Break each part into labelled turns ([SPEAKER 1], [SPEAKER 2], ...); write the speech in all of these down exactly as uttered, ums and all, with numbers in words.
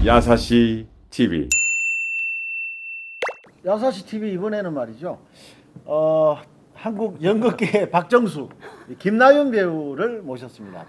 [SPEAKER 1] 야사시 티비.
[SPEAKER 2] 야사시 티비 이번에는 말이죠. 어, 한국 연극계의 박정수, 김나윤 배우를 모셨습니다.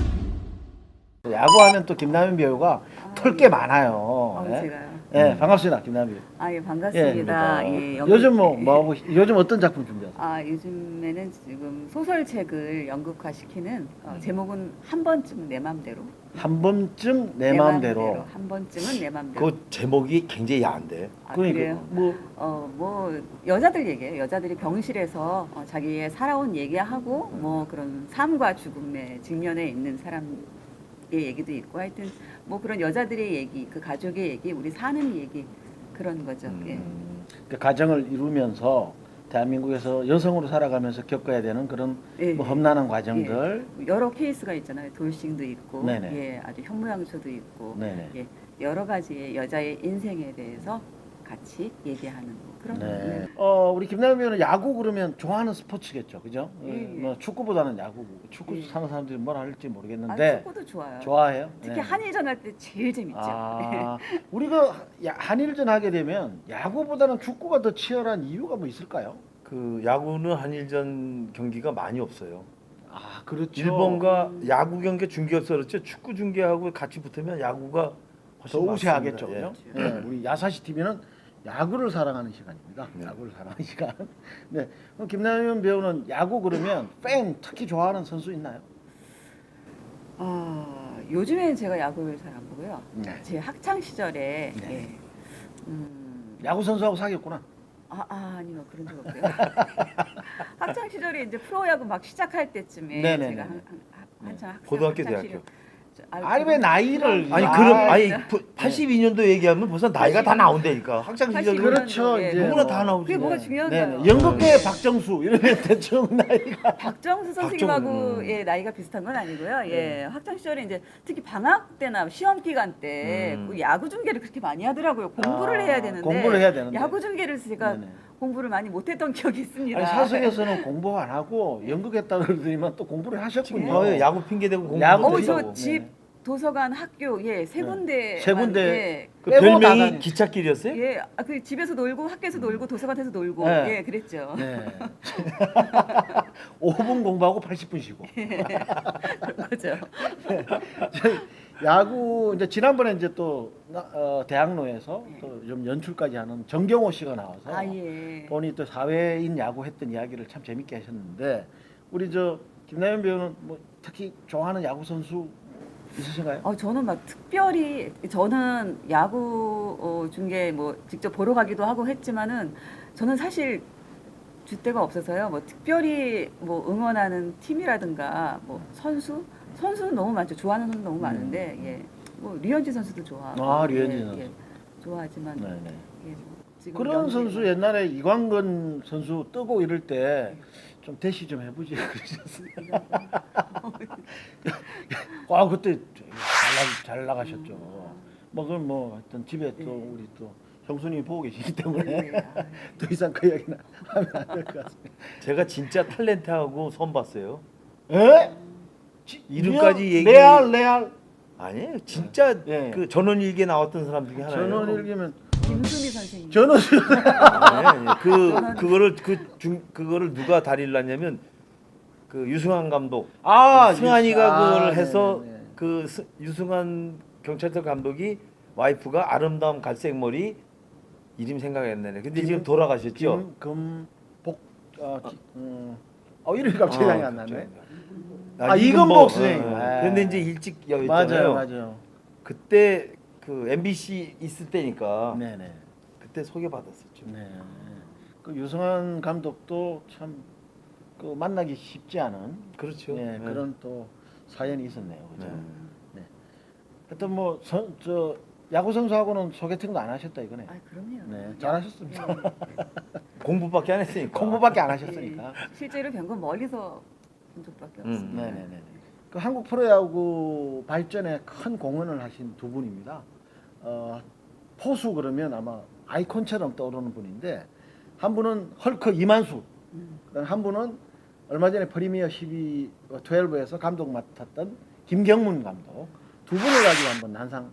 [SPEAKER 2] 야구하면 또 김나윤 배우가 털 게 많아요.
[SPEAKER 3] 어,
[SPEAKER 2] 예?
[SPEAKER 3] 제가요.
[SPEAKER 2] 예, 반갑습니다, 김나윤 배우.
[SPEAKER 3] 아, 예, 반갑습니다. 예, 연극-
[SPEAKER 2] 요즘 뭐, 뭐 하고, 요즘 어떤 작품 준비하세요?
[SPEAKER 3] 아, 요즘에는 지금 소설책을 연극화시키는 어,
[SPEAKER 2] 음.
[SPEAKER 3] 제목은 한 번쯤은 내 맘대로.
[SPEAKER 2] 한 번쯤 내
[SPEAKER 3] 내
[SPEAKER 2] 마음대로.
[SPEAKER 3] 맘대로. 한 번쯤은 내 맘대로.
[SPEAKER 4] 그 제목이 굉장히 야한데.
[SPEAKER 3] 아,
[SPEAKER 2] 그러니까
[SPEAKER 3] 그래요?
[SPEAKER 2] 뭐
[SPEAKER 3] 어, 뭐 여자들 얘기예요. 여자들이 병실에서 어, 자기의 살아온 얘기하고 뭐 그런 삶과 죽음에 직면해 있는 사람의 얘기도 있고 하여튼 뭐 그런 여자들의 얘기, 그 가족의 얘기, 우리 사는 얘기 그런 거죠.
[SPEAKER 4] 음.
[SPEAKER 3] 예.
[SPEAKER 2] 그 가정을 이루면서 대한민국에서 여성으로 살아가면서 겪어야 되는 그런
[SPEAKER 3] 예,
[SPEAKER 2] 뭐
[SPEAKER 3] 예.
[SPEAKER 2] 험난한 과정들.
[SPEAKER 3] 예. 여러 케이스가 있잖아요. 돌싱도 있고,
[SPEAKER 2] 네네.
[SPEAKER 3] 예, 아주 현모양처도 있고,
[SPEAKER 2] 네네.
[SPEAKER 3] 예, 여러 가지의 여자의 인생에 대해서 같이 얘기하는 뭐 그런.
[SPEAKER 2] 네.
[SPEAKER 3] 네.
[SPEAKER 2] 어, 우리 김나연 배우는 야구 그러면 좋아하는 스포츠겠죠, 그죠?
[SPEAKER 3] 예, 예.
[SPEAKER 2] 뭐 축구보다는 야구. 축구
[SPEAKER 3] 예.
[SPEAKER 2] 사는 사람들이 뭐라 할지
[SPEAKER 3] 아,
[SPEAKER 2] 모르겠는데
[SPEAKER 3] 축구도 좋아요.
[SPEAKER 2] 좋아해요.
[SPEAKER 3] 특히
[SPEAKER 2] 네.
[SPEAKER 3] 한일전 할 때 제일 재밌죠.
[SPEAKER 2] 아, 우리가 야- 한일전 하게 되면 야구보다는 축구가 더 치열한 이유가 뭐 있을까요?
[SPEAKER 4] 그 야구는 한일전 경기가 많이 없어요.
[SPEAKER 2] 아, 그렇죠.
[SPEAKER 4] 일본과 야구 경기 중계였어 그렇죠. 축구 중계하고 같이 붙으면 야구가
[SPEAKER 2] 더
[SPEAKER 4] 훨씬
[SPEAKER 2] 우세하겠죠,
[SPEAKER 4] 많습니다.
[SPEAKER 2] 그죠?
[SPEAKER 3] 예.
[SPEAKER 2] 네, 우리 야사시 티비는 야구를 사랑하는 시간입니다.
[SPEAKER 4] 네.
[SPEAKER 2] 야구를 사랑하는 시간. 네, 그럼 김나연 배우는 야구 그러면 팬 특히 좋아하는 선수 있나요?
[SPEAKER 3] 아, 요즘엔 제가 야구를 잘 안 보고요.
[SPEAKER 2] 네.
[SPEAKER 3] 제 학창 시절에,
[SPEAKER 2] 네.
[SPEAKER 3] 예, 음,
[SPEAKER 2] 야구 선수하고 사귀었구나.
[SPEAKER 3] 아, 아 아니요 그런 적 없고요. 학창 시절에 이제 프로야구 막 시작할 때쯤에
[SPEAKER 2] 네네네.
[SPEAKER 3] 제가 한, 한, 한, 한창 학생
[SPEAKER 4] 고등학교,
[SPEAKER 3] 학창
[SPEAKER 4] 대학교.
[SPEAKER 3] 시절- 저-
[SPEAKER 2] 아니, 왜 나이를-
[SPEAKER 4] 아니
[SPEAKER 2] 아,
[SPEAKER 4] 그럼 아니
[SPEAKER 3] 진짜.
[SPEAKER 4] 팔십이 년도 얘기하면 벌써 나이가 다 나온다니까. 학창 시절
[SPEAKER 3] 팔십이
[SPEAKER 2] 그렇죠,
[SPEAKER 3] 년도, 예,
[SPEAKER 2] 이제
[SPEAKER 4] 누구나
[SPEAKER 2] 뭐.
[SPEAKER 4] 다 나오지.
[SPEAKER 3] 그게 뭐가
[SPEAKER 2] 네.
[SPEAKER 3] 중요한가요?
[SPEAKER 2] 네네. 연극계의 박정수 이러면 대충 나이가.
[SPEAKER 3] 박정수 선생님하고
[SPEAKER 4] 박정수, 음.
[SPEAKER 3] 예, 나이가 비슷한 건 아니고요. 예, 학창 시절에 이제 특히 방학 때나 시험 기간 때
[SPEAKER 4] 음.
[SPEAKER 3] 그 야구 중계를 그렇게 많이 하더라고요. 공부를
[SPEAKER 2] 아,
[SPEAKER 3] 해야 되는데
[SPEAKER 2] 공부를 해야 되는데.
[SPEAKER 3] 야구 중계를 제가
[SPEAKER 2] 네네.
[SPEAKER 3] 공부를 많이 못했던 기억이 있습니다.
[SPEAKER 2] 아니 사석에서는 공부 안 하고 연극했다 그러더니만 또 공부를 하셨군요.
[SPEAKER 4] 어, 야구 핑계 대고 공부
[SPEAKER 2] 야구
[SPEAKER 3] 어,
[SPEAKER 4] 못
[SPEAKER 3] 저
[SPEAKER 4] 하고.
[SPEAKER 3] 집
[SPEAKER 2] 네.
[SPEAKER 3] 도서관 학교 예 세
[SPEAKER 2] 네.
[SPEAKER 3] 군데
[SPEAKER 2] 세 군데.
[SPEAKER 3] 예,
[SPEAKER 4] 그
[SPEAKER 2] 빼고 다
[SPEAKER 4] 별명이
[SPEAKER 2] 다니-
[SPEAKER 4] 기찻길이었어요?
[SPEAKER 3] 예, 아, 그 집에서 놀고 학교에서 놀고 도서관에서 놀고
[SPEAKER 2] 네.
[SPEAKER 3] 예 그랬죠.
[SPEAKER 2] 네. 오 분 공부하고 팔십 분 쉬고.
[SPEAKER 3] 그런 거죠.
[SPEAKER 2] 야구 이제 지난번에 이제 또 어, 대학로에서 또 좀 연출까지 하는 정경호 씨가 나와서
[SPEAKER 3] 아 예.
[SPEAKER 2] 본인이 또 사회인 야구 했던 이야기를 참 재밌게 하셨는데 우리 저 김나연 배우는 뭐 특히 좋아하는 야구 선수 있으신가요?
[SPEAKER 3] 어 저는 막 특별히 저는 야구 어, 중계 뭐 직접 보러 가기도 하고 했지만은 저는 사실 줏대가 없어서요. 뭐 특별히 뭐 응원하는 팀이라든가 뭐 선수 선수는 너무 많죠. 좋아하는 선수 너무 많은데 예. 뭐 류현진 선수도 좋아하고
[SPEAKER 2] 아, 류현진
[SPEAKER 3] 예,
[SPEAKER 2] 선수.
[SPEAKER 3] 예, 좋아하지만
[SPEAKER 2] 네네.
[SPEAKER 3] 예, 뭐 지금
[SPEAKER 2] 그런
[SPEAKER 3] 연기가-
[SPEAKER 2] 선수 옛날에 이광근 선수 뜨고 이럴 때 좀 대시 좀 해보지 그러셨어요. 아 그때 잘, 나, 잘 나가셨죠. 뭐 그건 뭐 하여튼 집에 또
[SPEAKER 3] 네.
[SPEAKER 2] 우리 또 형수님이 보고 계시기 때문에
[SPEAKER 3] 네, 아,
[SPEAKER 2] 더 이상 그 이야기는 하면 안 될 것 같습니다.
[SPEAKER 4] 제가 진짜 탤런트하고 처음 봤어요.
[SPEAKER 2] 에? 지-
[SPEAKER 4] 이름까지
[SPEAKER 2] 리얼?
[SPEAKER 4] 얘기-
[SPEAKER 2] 레알 레알
[SPEAKER 4] 아니에요. 진짜
[SPEAKER 2] 예.
[SPEAKER 4] 그 전원일기에 나왔던 사람 중에 하나예요.
[SPEAKER 2] 전원일기면
[SPEAKER 3] 김수미 선생님.
[SPEAKER 2] 전원
[SPEAKER 4] 네, 네. 그
[SPEAKER 3] 전원-
[SPEAKER 4] 그거를 그 중 그거를 누가 다리를 놨냐면 그 유승환 감독.
[SPEAKER 2] 아
[SPEAKER 4] 승환이가
[SPEAKER 2] 유스- 아,
[SPEAKER 4] 그걸 해서
[SPEAKER 2] 네네네.
[SPEAKER 4] 그 스- 유승환 경찰서 감독이 와이프가 아름다운 갈색 머리 이름 생각이 안 나네. 근데
[SPEAKER 2] 김-
[SPEAKER 4] 지금 돌아가셨죠.
[SPEAKER 2] 김금복 어, 기, 음, 어 이름이 갑자기 생각이 안 나네.
[SPEAKER 4] 아,
[SPEAKER 2] 아, 이금복 선생님.
[SPEAKER 4] 어, 어.
[SPEAKER 2] 아.
[SPEAKER 4] 그런데 이제 일찍
[SPEAKER 2] 맞아요,
[SPEAKER 4] 여였잖아요.
[SPEAKER 2] 맞아요.
[SPEAKER 4] 그때 그 엠비씨 있을 때니까
[SPEAKER 2] 네네.
[SPEAKER 4] 그때 소개받았었죠.
[SPEAKER 2] 네. 그 유승환 감독도 참 그 만나기 쉽지 않은
[SPEAKER 4] 그렇죠.
[SPEAKER 2] 네,
[SPEAKER 4] 네.
[SPEAKER 2] 그런 또 사연이 있었네요. 그죠?
[SPEAKER 4] 네.
[SPEAKER 2] 네. 하여튼 뭐저 야구 선수하고는 소개팅도 안 하셨다 이거네.
[SPEAKER 3] 아 그럼요.
[SPEAKER 2] 네, 잘하셨습니다.
[SPEAKER 3] 예.
[SPEAKER 4] 공부밖에 안 했으니까.
[SPEAKER 2] 공부밖에 안 하셨으니까.
[SPEAKER 3] 예, 실제로 뵌 건 멀리서 본 적밖에
[SPEAKER 4] 음.
[SPEAKER 3] 없습니다.
[SPEAKER 2] 네네네. 그 한국 프로야구 발전에 큰 공헌을 하신 두 분입니다. 어, 포수 그러면 아마 아이콘처럼 떠오르는 분인데 한 분은 헐크 이만수,
[SPEAKER 3] 음.
[SPEAKER 2] 그다음 한 분은 얼마 전에 프리미어 십이, 십이에서 감독 맡았던 김경문 감독 두 분을 가지고 한번 한상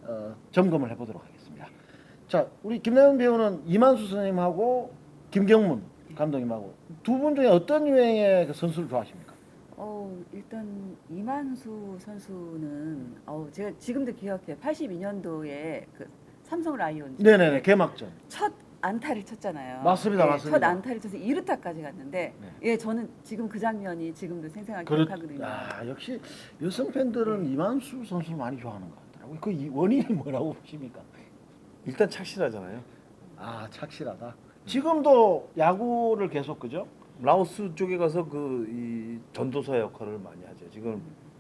[SPEAKER 2] 어, 점검을 해보도록 하겠습니다. 자, 우리 김남현 배우는 이만수 선생님하고 김경문 감독님하고 두 분 중에 어떤 유형의 그 선수를 좋아하십니까?
[SPEAKER 3] 어, 일단 이만수 선수는 어, 제가 지금도 기억해요. 팔십이 년도에 그 삼성 라이온즈
[SPEAKER 2] 네네네, 개막전.
[SPEAKER 3] 첫 안타를 쳤잖아요.
[SPEAKER 2] 맞습니다,
[SPEAKER 3] 예,
[SPEAKER 2] 맞습니다.
[SPEAKER 3] 첫 안타를 쳐서 이 루타까지 갔는데
[SPEAKER 2] 네.
[SPEAKER 3] 예, 저는 지금 그 장면이 지금도 생생하게
[SPEAKER 2] 그렇,
[SPEAKER 3] 기억하거든요.
[SPEAKER 2] 아, 역시 여성 팬들은 이만수 선수를 많이 좋아하는 것 같더라고요. 그 이- 원인이 뭐라고 보십니까?
[SPEAKER 4] 일단 착실하잖아요.
[SPEAKER 2] 아, 착실하다. 지금도 야구를 계속 그죠?
[SPEAKER 4] 라오스 쪽에 가서 그 이 전도사 역할을 많이 하죠. 지금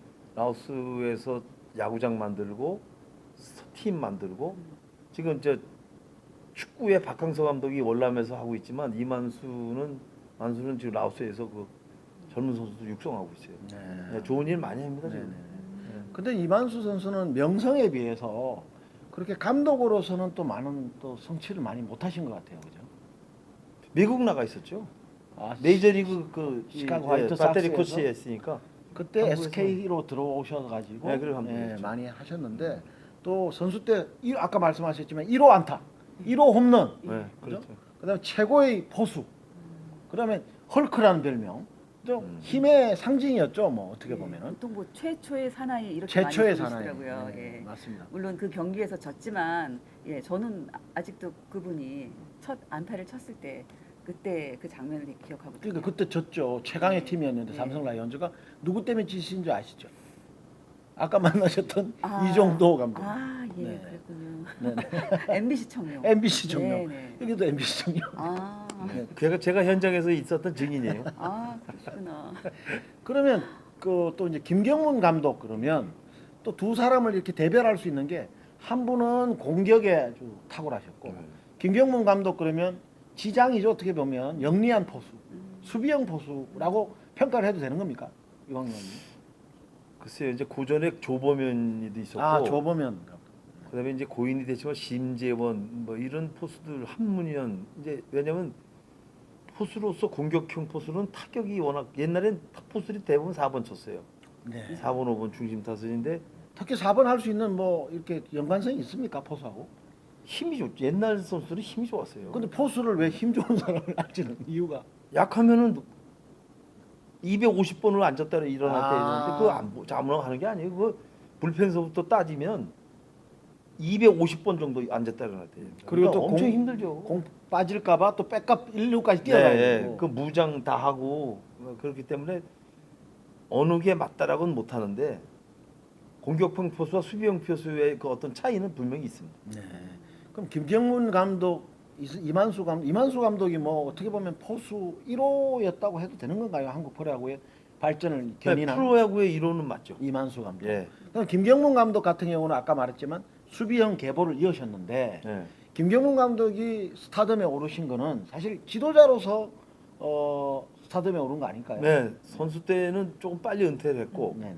[SPEAKER 4] 라오스에서 야구장 만들고 팀 만들고 지금 저 축구의 박항서 감독이 월남에서 하고 있지만 이만수는 만수는 지금 라오스에서 그 젊은 선수들 육성하고 있어요. 네, 좋은 일 많이 합니다 지금.
[SPEAKER 2] 네네. 근데 이만수 선수는 명성에 비해서 그렇게 감독으로서는 또 많은 또 성취를 많이 못하신 것 같아요, 그죠?
[SPEAKER 4] 미국 나가 있었죠.
[SPEAKER 2] 아,
[SPEAKER 4] 메이저리그 그
[SPEAKER 2] 시카고
[SPEAKER 4] 이-
[SPEAKER 2] 화이트
[SPEAKER 4] 예, 배터리
[SPEAKER 2] 삭스에서?
[SPEAKER 4] 코치에 했으니까.
[SPEAKER 2] 그때
[SPEAKER 4] 한국에서-
[SPEAKER 2] 에스케이로 들어오셔가지고
[SPEAKER 4] 네, 그래, 감독이었죠.
[SPEAKER 2] 예, 많이 하셨는데 또 선수 때 일- 아까 말씀하셨지만 일 호 안타, 일 호 홈런,
[SPEAKER 4] 네,
[SPEAKER 2] 그죠?
[SPEAKER 4] 그렇죠.
[SPEAKER 2] 그다음에 최고의 포수, 그다음에 헐크라는 별명, 좀
[SPEAKER 4] 음.
[SPEAKER 2] 힘의 상징이었죠, 뭐 어떻게
[SPEAKER 3] 예,
[SPEAKER 2] 보면은
[SPEAKER 3] 보통 뭐 최초의 사나이 이렇게
[SPEAKER 2] 최초의
[SPEAKER 3] 많이
[SPEAKER 2] 사나이.
[SPEAKER 3] 부르시더라고요.
[SPEAKER 2] 네,
[SPEAKER 3] 예.
[SPEAKER 2] 맞습니다.
[SPEAKER 3] 물론 그 경기에서 졌지만 예, 저는 아직도 그분이 첫 안타를 쳤을 때 그때 그 장면을 기억하거든요.
[SPEAKER 2] 그러니까 그때 졌죠. 최강의
[SPEAKER 3] 네.
[SPEAKER 2] 팀이었는데
[SPEAKER 3] 네.
[SPEAKER 2] 삼성 라이온즈가 누구 때문에 지신 줄 아시죠? 아까 만나셨던
[SPEAKER 3] 아,
[SPEAKER 2] 이종도 감독.
[SPEAKER 3] 아, 예,
[SPEAKER 2] 네.
[SPEAKER 3] 그랬군요.
[SPEAKER 2] 네네.
[SPEAKER 3] 엠비씨 청룡.
[SPEAKER 2] 엠비씨 청룡.
[SPEAKER 3] 네, 네.
[SPEAKER 2] 여기도 엠비씨 청룡.
[SPEAKER 3] 아,
[SPEAKER 2] 네.
[SPEAKER 4] 제가 제가 현장에서 있었던 증인이에요.
[SPEAKER 3] 아, 그러시구나.
[SPEAKER 2] 그러면 그 또 이제 김경문 감독 그러면 또 두 사람을 이렇게 대별할 수 있는 게 한 분은 공격에 아주 탁월하셨고
[SPEAKER 4] 네.
[SPEAKER 2] 김경문 감독 그러면 지장이죠. 어떻게 보면 영리한 포수,
[SPEAKER 3] 음.
[SPEAKER 2] 수비형 포수라고 평가를 해도 되는 겁니까? 이광 의원님.
[SPEAKER 4] 글쎄요, 이제 고전에 조범현이도 있었고,
[SPEAKER 2] 아, 조보면 감독.
[SPEAKER 4] 그다음에 이제 고인이 됐지만 심재원 뭐 이런 포수들 한문현 이제 왜냐면 포수로서 공격형 포수는 타격이 워낙 옛날엔 포수들이 대부분 사 번 쳤어요.
[SPEAKER 2] 네.
[SPEAKER 4] 사 번, 오 번 중심 타선인데
[SPEAKER 2] 특히 사 번 할 수 있는 뭐 이렇게 연관성이 있습니까 포수하고?
[SPEAKER 4] 힘이 좋. 옛날 선수들은 힘이 좋았어요.
[SPEAKER 2] 근데 포수를 왜 힘 좋은 사람을 할지는 이유가
[SPEAKER 4] 약하면은 이백오십 번을 앉았다 일어날 때
[SPEAKER 2] 아.
[SPEAKER 4] 있는데 그거 안 아무나 하는 게 아니에요. 그거 불펜서부터 따지면 이백오십 번 정도 앉았다 일어날 때.
[SPEAKER 2] 그리고 또
[SPEAKER 4] 엄청
[SPEAKER 2] 공-
[SPEAKER 4] 힘들죠.
[SPEAKER 2] 공 빠질까봐 또 백업 일 루까지 뛰어가야
[SPEAKER 4] 네,
[SPEAKER 2] 되고.
[SPEAKER 4] 그 무장 다 하고 그렇기 때문에 어느 게 맞다라고는 못 하는데 공격형 포수와 수비형 포수의 그 어떤 차이는 분명히 있습니다.
[SPEAKER 2] 네. 그럼 김경문 감독, 이- 이만수 감독, 이만수 감독이 뭐 어떻게 보면 포수 일 호였다고 해도 되는 건가요? 한국 프로야구의 발전을
[SPEAKER 4] 네,
[SPEAKER 2] 견인한
[SPEAKER 4] 프로야구의 이론은 맞죠.
[SPEAKER 2] 이만수 감독.
[SPEAKER 4] 예.
[SPEAKER 2] 그럼 김경문 감독 같은 경우는 아까 말했지만 수비형 계보를 이으셨는데
[SPEAKER 4] 예.
[SPEAKER 2] 김경문 감독이 스타덤에 오르신 거는 사실 지도자로서 어, 스타덤에 오른 거 아닐까요?
[SPEAKER 4] 네, 선수 때는 조금 빨리 은퇴를 했고
[SPEAKER 2] 네네.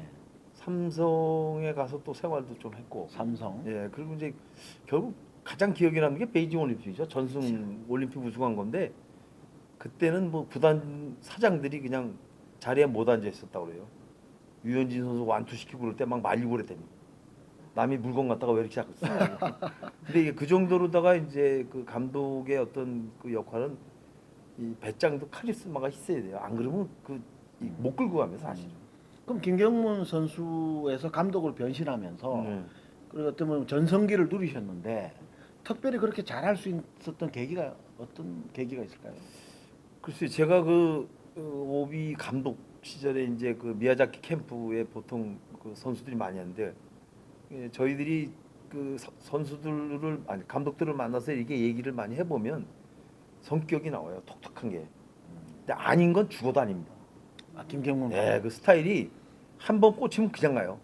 [SPEAKER 4] 삼성에 가서 또 생활도 좀 했고.
[SPEAKER 2] 삼성.
[SPEAKER 4] 예, 그리고 이제 결국 가장 기억에 남는 게 베이징 올림픽이죠. 전승 올림픽 우승한 건데 그때는 뭐 구단 사장들이 그냥 자리에 못 앉아 있었다고 그래요. 유현진 선수 완투 시키고 그럴 때 막 말리고 그랬대요. 남이 물건 갖다가 왜 이렇게 자꾸 쓰냐고. 근데 이게 그 정도로다가 이제 그 감독의 어떤 그 역할은 이 배짱도 카리스마가 있어야 돼요. 안 그러면 그 못 끌고 가면 사실은.
[SPEAKER 2] 그럼 김경문 선수에서 감독으로 변신하면서
[SPEAKER 4] 네.
[SPEAKER 2] 그리고 어떤 보면 전성기를 누리셨는데 특별히 그렇게 잘할 수 있었던 계기가 어떤 계기가 있을까요?
[SPEAKER 4] 글쎄 제가 그 어, 오비 감독 시절에 이제 그 미야자키 캠프에 보통 그 선수들이 많이 하는데 예, 저희들이 그 서- 선수들을 아니 감독들을 만나서 이렇게 얘기를 많이 해보면 성격이 나와요. 톡톡한 게. 근데 아닌 건 죽어도 아닙니다.
[SPEAKER 2] 아, 김경문.
[SPEAKER 4] 예, 그 스타일이 한 번 꽂히면 그냥 가요.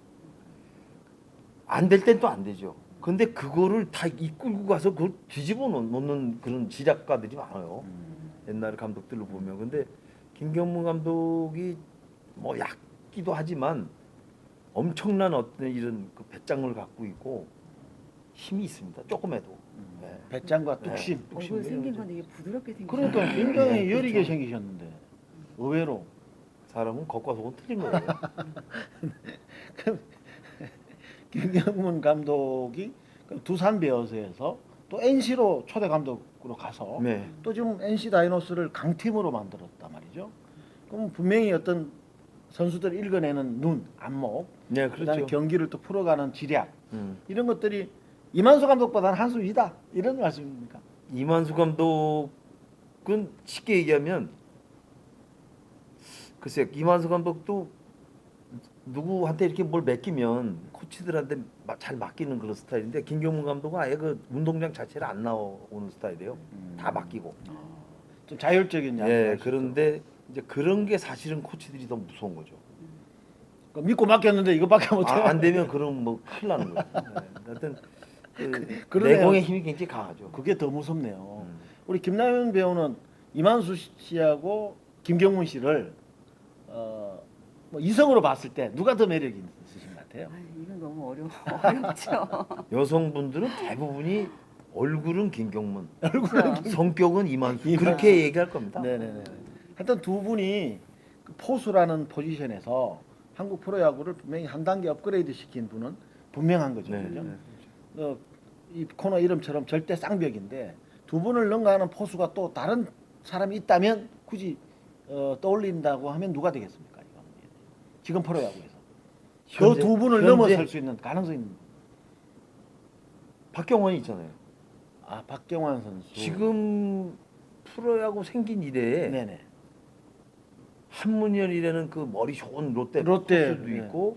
[SPEAKER 4] 안 될 땐 또 안 되죠. 근데 그거를 다 이끌고 가서 그걸 뒤집어 놓- 놓는 그런 지략가들이 많아요.
[SPEAKER 2] 음.
[SPEAKER 4] 옛날 감독들로 보면. 근데 김경문 감독이 뭐 얕기도 하지만 엄청난 어떤 이런 그 배짱을 갖고 있고 힘이 있습니다. 조금해도.
[SPEAKER 2] 음.
[SPEAKER 4] 네.
[SPEAKER 2] 배짱과
[SPEAKER 4] 네.
[SPEAKER 2] 뚝심.
[SPEAKER 4] 뚝심이에요,
[SPEAKER 3] 얼굴 생긴
[SPEAKER 4] 이제.
[SPEAKER 3] 건 되게 부드럽게 생긴.
[SPEAKER 2] 그러니까 굉장히
[SPEAKER 4] 네,
[SPEAKER 2] 여리게
[SPEAKER 4] 그렇죠.
[SPEAKER 2] 생기셨는데 의외로
[SPEAKER 4] 사람은 겉과 속은 틀린 거예요.
[SPEAKER 2] 김경문 감독이 그 두산 베어스에서 또 엔씨로 초대 감독으로 가서
[SPEAKER 4] 네.
[SPEAKER 2] 또 지금 엔씨 다이노스를 강팀으로 만들었단 말이죠. 그럼 분명히 어떤 선수들 읽어내는 눈, 안목,
[SPEAKER 4] 네,
[SPEAKER 2] 그다음에
[SPEAKER 4] 그렇죠.
[SPEAKER 2] 경기를 또 풀어가는 지략
[SPEAKER 4] 음.
[SPEAKER 2] 이런 것들이 이만수 감독보다는 한 수 위다 이런 말씀입니까?
[SPEAKER 4] 이만수 감독은 쉽게 얘기하면 글쎄 이만수 감독도 누구한테 이렇게 뭘 맡기면 코치들한테 마- 잘 맡기는 그런 스타일인데 김경문 감독은 아예 그 운동장 자체를 안 나오는 스타일이에요. 다 맡기고.
[SPEAKER 2] 좀 자율적인
[SPEAKER 4] 예,
[SPEAKER 2] 야구를
[SPEAKER 4] 그런데 이제 그런 게 사실은 코치들이 더 무서운 거죠.
[SPEAKER 2] 그 믿고 맡겼는데 이거밖에 못해.
[SPEAKER 4] 아, 안 되면 그럼 뭐 큰일 나는 거예요. 네. 하여튼 그
[SPEAKER 2] 그러네요.
[SPEAKER 4] 내공의 힘이 굉장히 강하죠.
[SPEAKER 2] 그게 더 무섭네요.
[SPEAKER 4] 음.
[SPEAKER 2] 우리 김남현 배우는 이만수 씨하고 김경문 씨를 어, 뭐 이성으로 봤을 때 누가 더 매력이 있으신 것 같아요?
[SPEAKER 3] 아, 이건 너무 어려워. 어렵죠.
[SPEAKER 4] 여성분들은 대부분이 얼굴은 김경문,
[SPEAKER 3] 그렇죠.
[SPEAKER 4] 성격은 이만수
[SPEAKER 2] 이만수.
[SPEAKER 4] 그렇게 얘기할 겁니다.
[SPEAKER 2] 네네네. 하여튼 두 분이 그 포수라는 포지션에서 한국 프로야구를 분명히 한 단계 업그레이드 시킨 분은 분명한 거죠.
[SPEAKER 4] 네,
[SPEAKER 2] 그죠?
[SPEAKER 4] 네.
[SPEAKER 2] 어, 이 코너 이름처럼 절대 쌍벽인데 두 분을 능가하는 포수가 또 다른 사람이 있다면 굳이 어, 떠올린다고 하면 누가 되겠습니까? 이거? 지금 프로야구에서 그
[SPEAKER 4] 현재-
[SPEAKER 2] 두 분을
[SPEAKER 4] 현재
[SPEAKER 2] 넘어설 수 있는 가능성이 있는 분.
[SPEAKER 4] 박경원이 있잖아요.
[SPEAKER 2] 아 박경환 선수
[SPEAKER 4] 지금 프로야구 생긴 이래에
[SPEAKER 2] 네네
[SPEAKER 4] 한문열이라는 그 머리 좋은 롯데
[SPEAKER 2] 롯데,
[SPEAKER 4] 포수도
[SPEAKER 2] 네.
[SPEAKER 4] 있고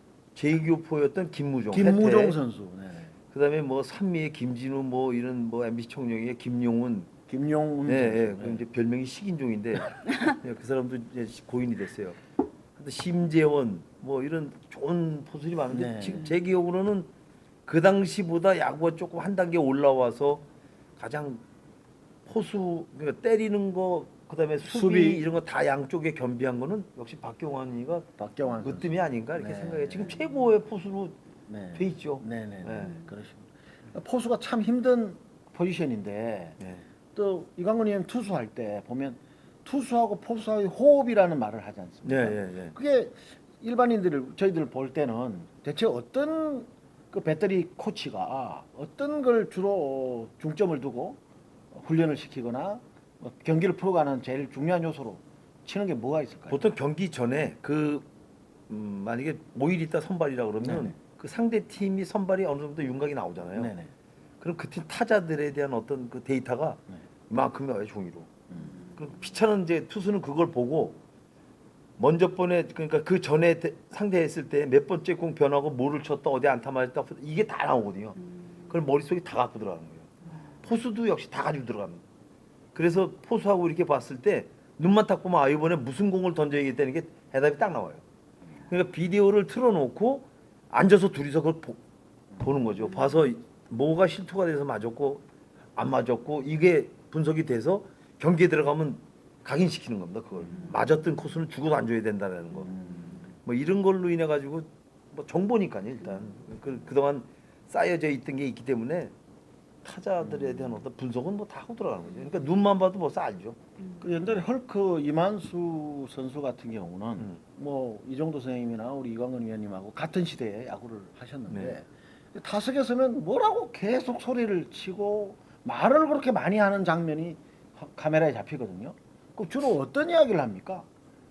[SPEAKER 4] 제이교포였던 김무종,
[SPEAKER 2] 김무종
[SPEAKER 4] 혜태,
[SPEAKER 2] 선수 네네
[SPEAKER 4] 그다음에 뭐 산미의 김진우 뭐 이런 뭐 엠비씨 총영의 김용훈,
[SPEAKER 2] 김용훈
[SPEAKER 4] 네,
[SPEAKER 2] 선수
[SPEAKER 4] 예, 그 이제 별명이 식인종인데 예, 그 사람도 이제 고인이 됐어요. 근데 심재원 뭐 이런 좋은 포수들이 많은데
[SPEAKER 2] 네.
[SPEAKER 4] 지금 제 기억으로는 그 당시보다 야구가 조금 한 단계 올라와서 가장 포수 그러니까 때리는 거 그다음에 수비,
[SPEAKER 2] 수비.
[SPEAKER 4] 이런 거 다 양쪽에 겸비한 거는 역시 박경환이가
[SPEAKER 2] 박경환 선수
[SPEAKER 4] 으뜸이 아닌가 이렇게
[SPEAKER 2] 네.
[SPEAKER 4] 생각해요. 지금 최고의 포수로
[SPEAKER 2] 네.
[SPEAKER 4] 돼 있죠.
[SPEAKER 2] 네네
[SPEAKER 4] 네.
[SPEAKER 2] 그렇습니다. 포수가 참 힘든 포지션인데
[SPEAKER 4] 네.
[SPEAKER 2] 또 이광근 의원 투수할 때 보면 투수하고 포수와의 호흡이라는 말을 하지 않습니까?
[SPEAKER 4] 네, 네, 네.
[SPEAKER 2] 그게 일반인들 저희들 볼 때는 대체 어떤 그 배터리 코치가 어떤 걸 주로 중점을 두고 훈련을 시키거나 뭐 경기를 풀어가는 제일 중요한 요소로 치는 게 뭐가 있을까요?
[SPEAKER 4] 보통 경기 전에 그 음, 만약에 오 일 있다 선발이라 그러면
[SPEAKER 2] 네네.
[SPEAKER 4] 그 상대 팀이 선발이 어느 정도 윤곽이 나오잖아요.
[SPEAKER 2] 네네.
[SPEAKER 4] 그럼 그 팀 타자들에 대한 어떤 그 데이터가
[SPEAKER 2] 네.
[SPEAKER 4] 이만큼 나와요 종이로.
[SPEAKER 2] 음.
[SPEAKER 4] 그럼 피차는 이제 투수는 그걸 보고 먼저 번에 그러니까 그 전에 대- 상대했을 때 몇 번째 공 변하고 뭐를 쳤다 어디 안타 맞았다 이게 다 나오거든요. 그걸 머릿속에 다 갖고 들어가는 거예요. 포수도 역시 다 가지고 들어갑니다. 그래서 포수하고 이렇게 봤을 때 눈만 딱 보면 아 이번에 무슨 공을 던져야겠다는 게 해답이 딱 나와요. 그러니까 비디오를 틀어놓고 앉아서 둘이서 그걸 보, 보는 거죠. 봐서 뭐가 실투가 돼서 맞았고 안 맞았고 이게 분석이 돼서 경기에 들어가면 각인시키는 겁니다. 그걸 맞았던 코스는 죽어도 안 줘야 된다는 거. 뭐 이런 걸로 인해 가지고 뭐 정보니까요 일단 그 그동안 쌓여져 있던 게 있기 때문에 타자들에 대한 어떤 분석은 뭐 다 하고 들어가는 거죠. 그러니까 눈만 봐도 벌써 알죠.
[SPEAKER 2] 그 옛날에 헐크 이만수 선수 같은 경우는
[SPEAKER 4] 음.
[SPEAKER 2] 뭐 이정도 선생님이나 우리 이광근 위원님하고 같은 시대에 야구를 하셨는데
[SPEAKER 4] 네.
[SPEAKER 2] 타석에 서면 뭐라고 계속 소리를 치고 말을 그렇게 많이 하는 장면이 화- 카메라에 잡히거든요. 그 주로 어떤 이야기를 합니까?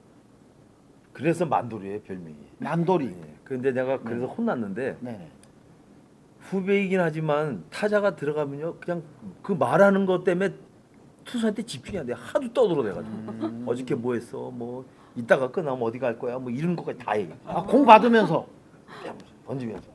[SPEAKER 4] 그래서 만돌이에요 별명이.
[SPEAKER 2] 남돌이.
[SPEAKER 4] 예. 그런데 내가 그래서 혼났는데
[SPEAKER 2] 네네.
[SPEAKER 4] 후배이긴 하지만 타자가 들어가면요 그냥 그 말하는 것 때문에 투수한테 집중이 안 돼. 하도 떠들어대가지고
[SPEAKER 2] 음.
[SPEAKER 4] 어저께 뭐 했어 뭐 이따가 끝나면 어디 갈 거야 뭐 이런 것까지 다 얘기해.
[SPEAKER 2] 아, 공 받으면서.
[SPEAKER 4] 던지면서.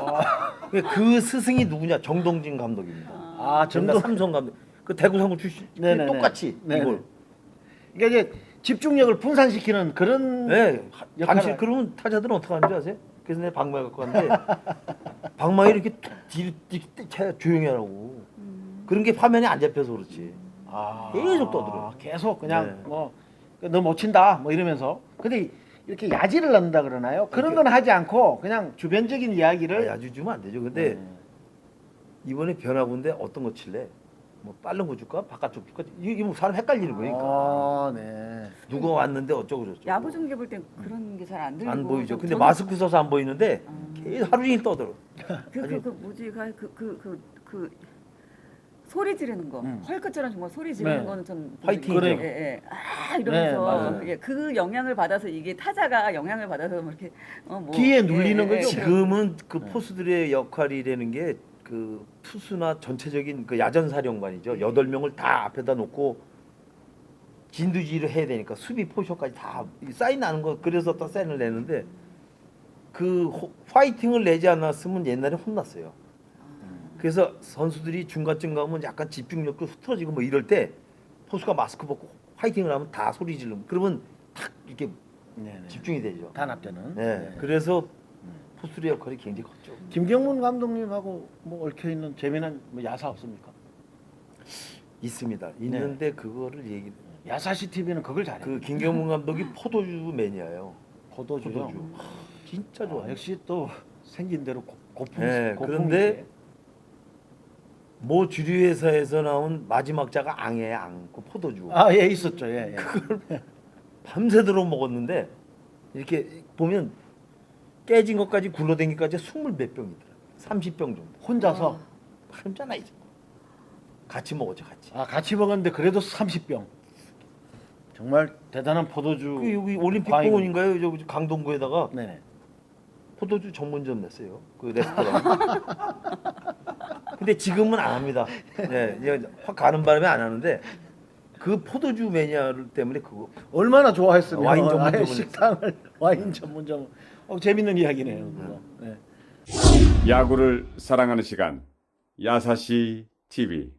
[SPEAKER 4] 그 스승이 누구냐 정동진 감독입니다.
[SPEAKER 2] 아,
[SPEAKER 4] 정말
[SPEAKER 2] 정도.
[SPEAKER 4] 삼성 감독. 그 대구 상무 출신.
[SPEAKER 2] 네네네.
[SPEAKER 4] 똑같이
[SPEAKER 2] 네네.
[SPEAKER 4] 이걸.
[SPEAKER 2] 그러니까 이제 집중력을 분산시키는 그런
[SPEAKER 4] 네.
[SPEAKER 2] 역할을-
[SPEAKER 4] 당시 그러면 타자들은 어떻게 하는지 아세요? 그래서 내가 방망이 갖고 왔는데 방망이 이렇게 툭 뒤로 뒤로 차야 조용히 하라고. 그런 게 화면에 안 잡혀서 그렇지.
[SPEAKER 2] 아,
[SPEAKER 4] 계속 떠들어요.
[SPEAKER 2] 계속 그냥
[SPEAKER 4] 네.
[SPEAKER 2] 뭐 너 못 친다 뭐 이러면서. 근데 이렇게 야지를 넣는다 그러나요? 그런 건 하지 않고 그냥 주변적인 이야기를
[SPEAKER 4] 아, 야주 주면 안 되죠. 근데
[SPEAKER 2] 네.
[SPEAKER 4] 이번에 변화구인데 어떤 거 칠래? 뭐 빠른 거 줄까? 바깥쪽 줄까? 이게 이게 뭐 사람 헷갈리는 거니까.
[SPEAKER 2] 아, 네.
[SPEAKER 4] 누가 왔는데 어쩌고 저쩌고.
[SPEAKER 3] 야구 중계 볼 땐 그런 게 잘 안 들리고
[SPEAKER 4] 안 보이죠.
[SPEAKER 3] 저-
[SPEAKER 4] 근데
[SPEAKER 3] 저는-
[SPEAKER 4] 마스크 써서 안 보이는데
[SPEAKER 3] 아.
[SPEAKER 4] 계속 하루 종일 떠들어.
[SPEAKER 3] 그, 그, 그 뭐지 그그 그 그 그 소리 지르는 거
[SPEAKER 2] 음.
[SPEAKER 3] 헐크처럼 정말 소리 지르는
[SPEAKER 2] 네.
[SPEAKER 3] 거는 좀
[SPEAKER 4] 화이팅이죠.
[SPEAKER 3] 예, 예. 아
[SPEAKER 2] 네,
[SPEAKER 3] 이러면서
[SPEAKER 2] 맞아요.
[SPEAKER 3] 예, 그 영향을 받아서 이게 타자가 영향을 받아서 뭐 이렇게 어, 뭐,
[SPEAKER 2] 귀에 눌리는 거죠?
[SPEAKER 4] 지금은 그
[SPEAKER 2] 네.
[SPEAKER 4] 포수들의 역할이라는 게 그 투수나 전체적인 그 야전 사령관이죠. 여덟 명을 다 앞에다 놓고 진두지휘를 해야 되니까 수비 포지션까지 다 사인 나는 거 그래서 또 사인을 내는데 그 호- 화이팅을 내지 않았으면 옛날에 혼났어요. 그래서 선수들이 중간쯤 가면 약간 집중력도 흐트러지고 뭐 이럴 때 포수가 마스크 벗고 화이팅을 하면 다 소리 지르면 그러면 탁 이렇게
[SPEAKER 2] 네, 네.
[SPEAKER 4] 집중이 되죠.
[SPEAKER 2] 단합되는.
[SPEAKER 4] 네.
[SPEAKER 2] 네.
[SPEAKER 4] 그래서 포수의 역할이 굉장히 컸죠.
[SPEAKER 2] 김경문 감독님하고 뭐 얽혀 있는 재미난 뭐 야사 없습니까?
[SPEAKER 4] 있습니다. 있는데 그거를 얘기.
[SPEAKER 2] 야사시 티비는 그걸 잘해.
[SPEAKER 4] 그 김경문 감독이 포도주 매니아예요.
[SPEAKER 2] 포도주요.
[SPEAKER 4] 포도주. 하, 진짜 좋아.
[SPEAKER 2] 아, 역시 또 생긴 대로 고, 고품.
[SPEAKER 4] 네,
[SPEAKER 2] 고품이지.
[SPEAKER 4] 그런데 모 주류 회사에서 나온 마지막 자가 앙이에요. 앙. 그 포도주.
[SPEAKER 2] 아, 예, 있었죠. 예, 예.
[SPEAKER 4] 밤새도록 먹었는데 이렇게 보면 깨진 것까지 굴러댕기까지 스물 몇 병이더라. 삼십 병 정도.
[SPEAKER 2] 혼자서
[SPEAKER 4] 혼자나 이제 같이 먹었죠, 같이.
[SPEAKER 2] 아, 같이 먹었는데 그래도 삼십 병. 정말 대단한 포도주.
[SPEAKER 4] 그 여기 올림픽
[SPEAKER 2] 과잉.
[SPEAKER 4] 공원인가요? 여기 강동구에다가
[SPEAKER 2] 네.
[SPEAKER 4] 포도주 전문점 냈어요. 그 레스토랑. 근데 지금은 안 합니다. 네, 이제 확 가는 바람에 안 하는데 그 포도주 매니아를 때문에 그거
[SPEAKER 2] 얼마나 좋아했으면
[SPEAKER 4] 와인
[SPEAKER 2] 아예
[SPEAKER 4] 전문점을
[SPEAKER 2] 식당을 와인 전문점. 어, 재밌는 이야기네요. 그거. 네.
[SPEAKER 1] 야구를 사랑하는 시간 야사시 티비